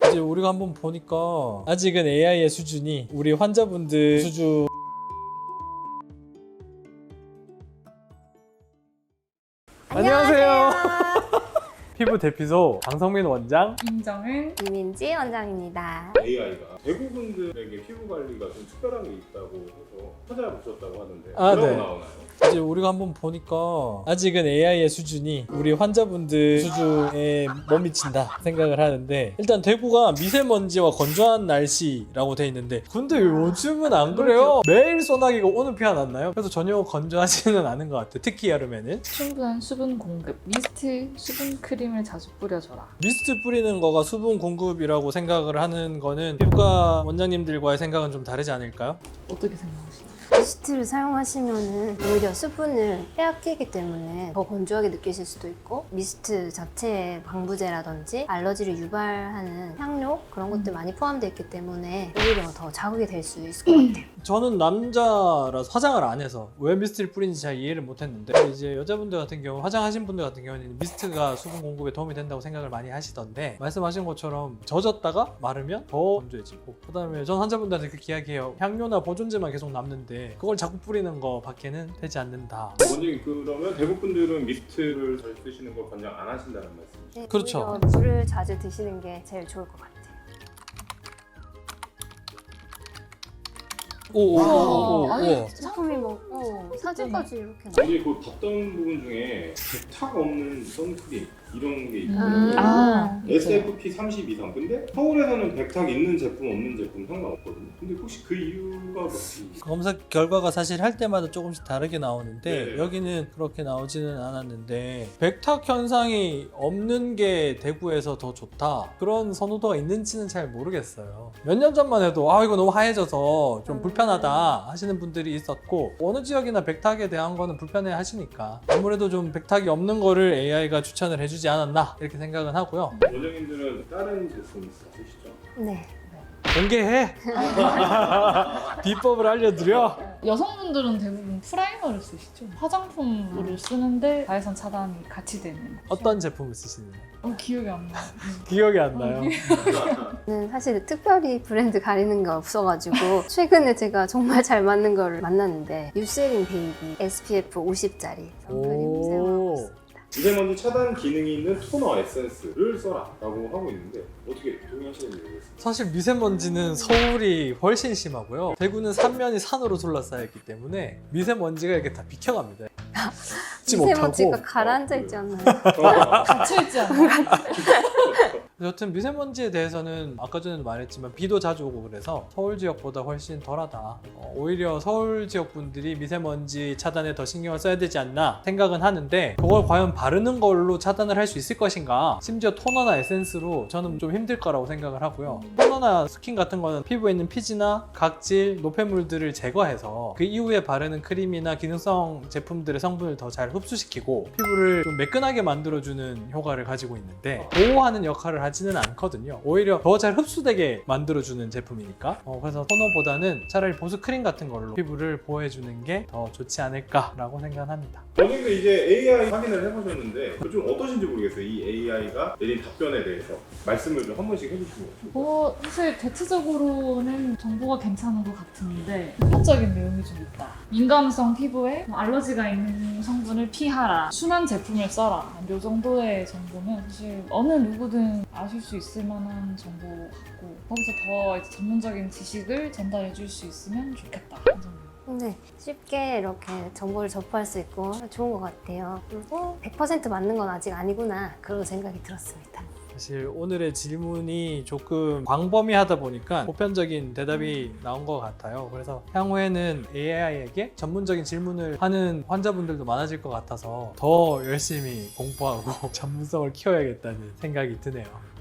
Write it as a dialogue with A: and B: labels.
A: 이제 우리가 한번 보니까 아직은 AI의 수준이 우리 환자분들 수준. 안녕하세요. 피부 대피소 강성민 원장,
B: 김정은,
C: 이민지 원장입니다.
D: AI가 대부분들에게 피부 관리가 좀 특별한 게 있다고 해서 찾아보셨다고 하는데
A: 아,
D: 뭐라고
A: 네.
D: 나오나요?
A: 이제 우리가 한번 보니까 아직은 AI의 수준이 우리 환자분들 수준에 못 미친다 생각을 하는데, 일단 대구가 미세먼지와 건조한 날씨라고 돼 있는데 근데 요즘은 안 그래요. 매일 소나기가 오는 피 안 왔나요? 그래서 전혀 건조하지는 않은 것 같아요. 특히 여름에는.
B: 충분한 수분 공급, 미스트, 수분 크림을 자주 뿌려줘라.
A: 미스트 뿌리는 거가 수분 공급이라고 생각을 하는 거는 피부과 원장님들과의 생각은 좀 다르지 않을까요?
B: 어떻게 생각하시나요?
C: 미스트를 사용하시면은 오히려 수분을 빼앗기기 때문에 더 건조하게 느끼실 수도 있고, 미스트 자체에 방부제라든지 알러지를 유발하는 향료 그런 것들 많이 포함되어 있기 때문에 오히려 더 자극이 될 수 있을 것 같아요.
A: 저는 남자라서 화장을 안 해서 왜 미스트를 뿌리는지 잘 이해를 못 했는데, 이제 여자분들 같은 경우, 화장하신 분들 같은 경우는 미스트가 수분 공급에 도움이 된다고 생각을 많이 하시던데, 말씀하신 것처럼 젖었다가 마르면 더 건조해지고, 그 다음에 전 환자분들한테 그렇게 이야기해요. 향료나 보존제만 계속 남는데 그걸 자꾸 뿌리는 거 밖에는 되지 않는다.
D: 원장님, 그러면 대부분들은 미스트를 잘 쓰시는 걸 권장 안 하신다는 말씀이시죠?
C: 네,
A: 그렇죠.
C: 오히려 물을 자주 드시는 게 제일 좋을 것 같아요.
A: 오오오오.
B: 아니,
C: 제품이 뭐 사진까지 이렇게 나.
D: 원장님, 그 봤던 부분 중에 백탁 없는 선크림 이런 게 있거든요.
B: 아,
D: SFP 30 이상. 근데 서울에서는 백탁 있는 제품 없는 제품 상관없거든요. 근데 혹시 그 이유가 뭐지?
A: 검사 결과가 사실 할 때마다 조금씩 다르게 나오는데,
D: 네.
A: 여기는 그렇게 나오지는 않았는데, 백탁 현상이 없는 게 대구에서 더 좋다 그런 선호도가 있는지는 잘 모르겠어요. 몇 년 전만 해도 이거 너무 하얘져서 좀 불편하다 하시는 분들이 있었고, 어느 지역이나 백탁에 대한 거는 불편해 하시니까 아무래도 좀 백탁이 없는 거를 AI가 추천을 해주지 않았나 이렇게 생각은 하고요.
D: 원장님들은 다른 제품 쓰시죠?
C: 네.
A: 공개해. 비법을 알려드려.
B: 여성분들은 대부분 프라이머를 쓰시죠. 화장품으로 쓰는데 자외선 차단이 같이 되는.
A: 어떤 제품을 쓰시나요?
B: 기억이 안 나.
A: 기억이 안 나요.
C: 저는 사실 특별히 브랜드 가리는 게 없어가지고 최근에 제가 정말 잘 맞는 거를 만났는데, 유세린 베이비 SPF 50짜리 선크림 사용하고 있습니다.
D: 미세먼지 차단 기능이 있는 토너 에센스를 써라 라고 하고 있는데 어떻게 동의하시는지 모르겠습니다.
A: 사실 미세먼지는 서울이 훨씬 심하고요. 대구는 삼면이 산으로 둘러싸여 있기 때문에 미세먼지가 이렇게 다 비켜갑니다. 잊지
C: 미세먼지가
A: 못하고.
C: 가라앉아 있지 않나요?
B: 갇혀있지 않아요?
A: 여튼 미세먼지에 대해서는 아까 전에도 말했지만 비도 자주 오고 그래서 서울 지역보다 훨씬 덜하다. 오히려 서울 지역 분들이 미세먼지 차단에 더 신경을 써야 되지 않나 생각은 하는데, 그걸 과연 바르는 걸로 차단을 할 수 있을 것인가? 심지어 토너나 에센스로 저는 좀 힘들 거라고 생각을 하고요. 토너나 스킨 같은 거는 피부에 있는 피지나 각질, 노폐물들을 제거해서 그 이후에 바르는 크림이나 기능성 제품들의 성분을 더 잘 흡수시키고 피부를 좀 매끈하게 만들어주는 효과를 가지고 있는데, 보호하는 역할을 하지는 않거든요. 오히려 더 잘 흡수되게 만들어주는 제품이니까. 그래서 토너보다는 차라리 보습 크림 같은 걸로 피부를 보호해주는 게 더 좋지 않을까라고 생각합니다.
D: 원장님도 이제 AI 확인을 해보셨는데 좀 어떠신지 모르겠어요. 이 AI가 내린 답변에 대해서 말씀을 좀 한 번씩 해주시면 좋겠어요.
B: 사실 대체적으로는 정보가 괜찮은 것 같은데 복합적인 내용이 좀 있다. 민감성 피부에 알러지가 있는 성분을 피하라, 순한 제품을 써라, 이 정도의 정보는 사실 어느 누구든 아실 수 있을 만한 정보 같고, 거기서 더 이제 전문적인 지식을 전달해 줄 수 있으면 좋겠다. 이 정도.
C: 네, 쉽게 이렇게 정보를 접할 수 있고 좋은 것 같아요. 그리고 100% 맞는 건 아직 아니구나, 그런 생각이 들었습니다.
A: 사실 오늘의 질문이 조금 광범위하다 보니까 보편적인 대답이 나온 것 같아요. 그래서 향후에는 AI에게 전문적인 질문을 하는 환자분들도 많아질 것 같아서 더 열심히 공부하고 전문성을 키워야겠다는 생각이 드네요.